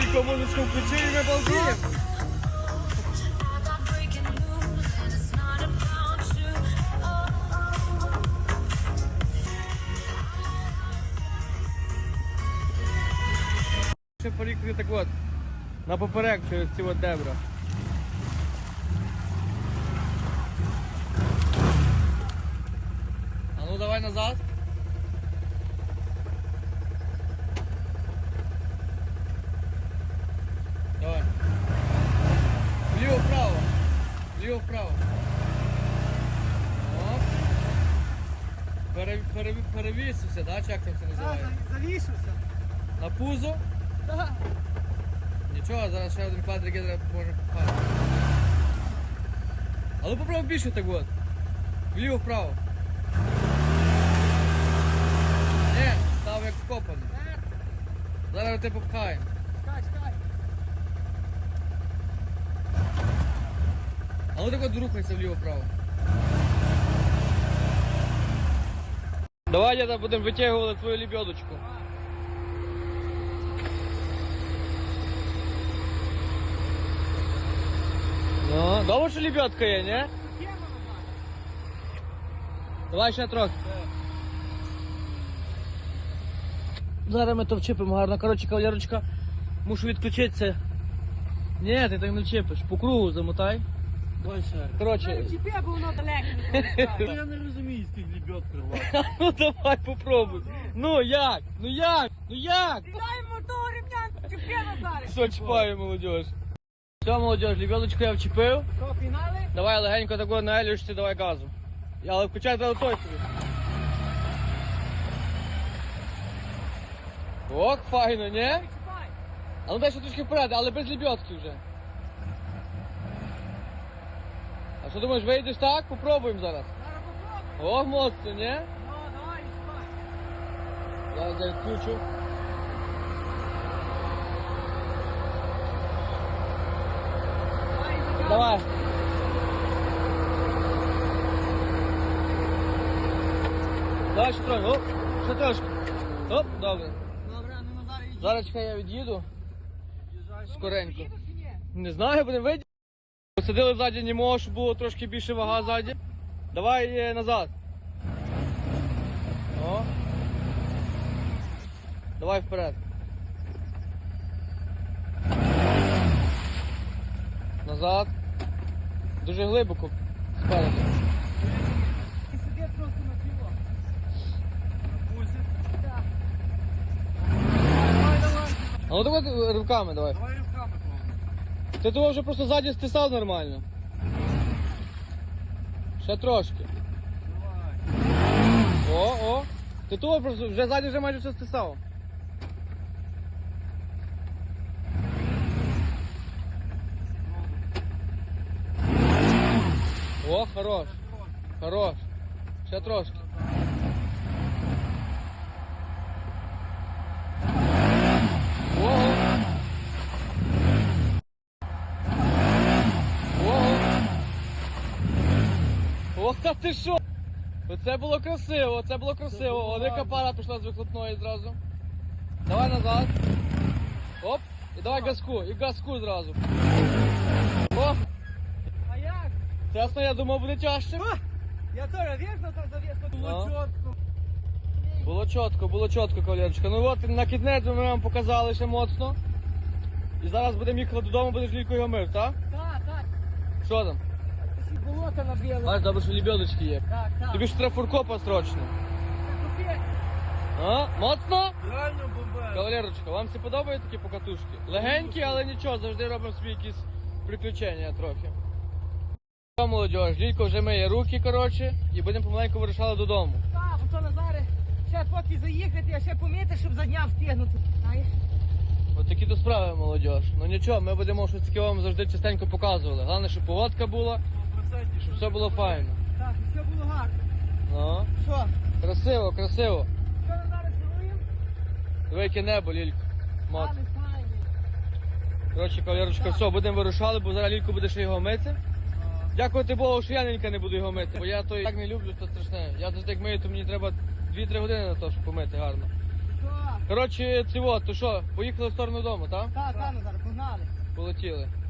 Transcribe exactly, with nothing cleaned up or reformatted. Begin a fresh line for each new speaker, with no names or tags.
Лілько музичку включив і ми балдіємо. Ще поїхали так от, на поперек через ці от дебра. А ну давай назад. Давай. Вліво-вправо. Вліво-вправо. О. Пере, пере, перевісився, да? Чи як там це називається?
Так, завішився.
На пузо?
Так.
Нічого, зараз ще один квадрик може попасти. Але попробуй більше так от. Вліво-вправо. Ні, став як вкопаний. Зараз ти попхаємо.
Чекай, чекай.
Але так от рухайся вліво-вправо. Давай, діда, будемо витягувати твою лебедочку. Ну, добре, що лебедка є, не? Давай ще трохи. Зараз ми то вчепимо гарно. Коротше, кавалерочка, мушу відключитися. Ні, ти так не вчепиш. По кругу замотай.
Давай ще.
Коротше.
Чіпи, бо воно далеко.
Я не розумію з тих лебед крила.
Ну давай попробуй. Ну як? Ну як? Ну як?
Дай мотор, ремнян, чіпи, Назаре.
Все, чіпаю, молодіж. Все, молодіж, лебедочку я вчепив.
Що, пінали?
Давай легенько такого на елюшці, давай газу. Але включай треба той собі. Ок, файно, не?
Чіпай.
А ну дай ще трошки вперед, але без лебедки вже. А що думаєш, вийдеш так? Попробуємо зараз.
Зараз попробуй.
О, моцно, не?
Ну, давай, чіпай.
Зараз я відключу.
Давай, забирай.
Давай. Давай ще трохи, оп, ще трошки. Оп, добре.
Добре, ну Назаре, йди.
Зараз чекай, я від'їду. Скоренько.
Їдеш чи ні?
Не знаю, будемо вийти. Посадили ззаді німого, щоб було трошки більше вага ззаді. Давай е, назад. О. Давай вперед. Назад. Дуже глибоко. Спереду.
Ти сиди просто на тіло.
На пузі.
Так. Давай, давай.
А ну так от руками давай.
Давай руками пробуй.
Ти того вже просто ззаді стисав нормально. Ще трошки.
Давай.
О, о. Ти того просто вже ззаді вже майже все стисав. О, хорош. Хорош. Ще трошки. Ого. Ого. Ох, та ти що? Оце було красиво, це було красиво. О, яка пара пішла з вихлопної зразу. Давай назад. Оп. І давай газку, і газку зразу. О,
А як?
чесно, я думав, буде тяжче.
Я теж вірно так завісно.
Ну.
Було чітко.
Було чітко, було чітко, кавалерочка. Ну от на кітнець ми вам показали ще моцно. І зараз будемо їхати додому, будеш лікою його мив, так?
Так, так.
Що там?
Ти ще болото набили.
Бачиш, добре, що лебедочки є.
Так, так.
Тобі ж треба фуркопа срочно.
Це капець.
А? Моцно?
Реально бомбе.
Кавалерочка, вам всі подобають такі покатушки? Легенькі, але нічого, завжди робимо собі якісь приключення трохи. Що, молодіж, Лілько вже миє руки, коротше, і будемо помаленьку вирушали додому.
Так, то Назаре, ще поки заїхати, а ще помити, щоб за дня встигнути. Знаєш?
От такі то справи, молодіж. Ну нічого, ми будемо щось таке вам завжди частенько показували. Головне, щоб погодка була, щоб все було файно.
Так, і все було гарно.
Ну,
Що?
красиво, красиво.
Що Назаре керуємо?
Диви, яке небо, Лілько. Моцно.
Але файний.
Коротше, кавалерочка, все, будемо вирушали, бо зараз Лілько буде ще його мити. Дякувати Богу, що я ненька не буду його мити, бо я то так не люблю, то страшне. Я завжди як мию, то мені треба дві-три години на те, щоб помити гарно.
Що?
Коротше, цього, то що, поїхали в сторону дому, так?
Так, так, Назар, погнали.
Полетіли.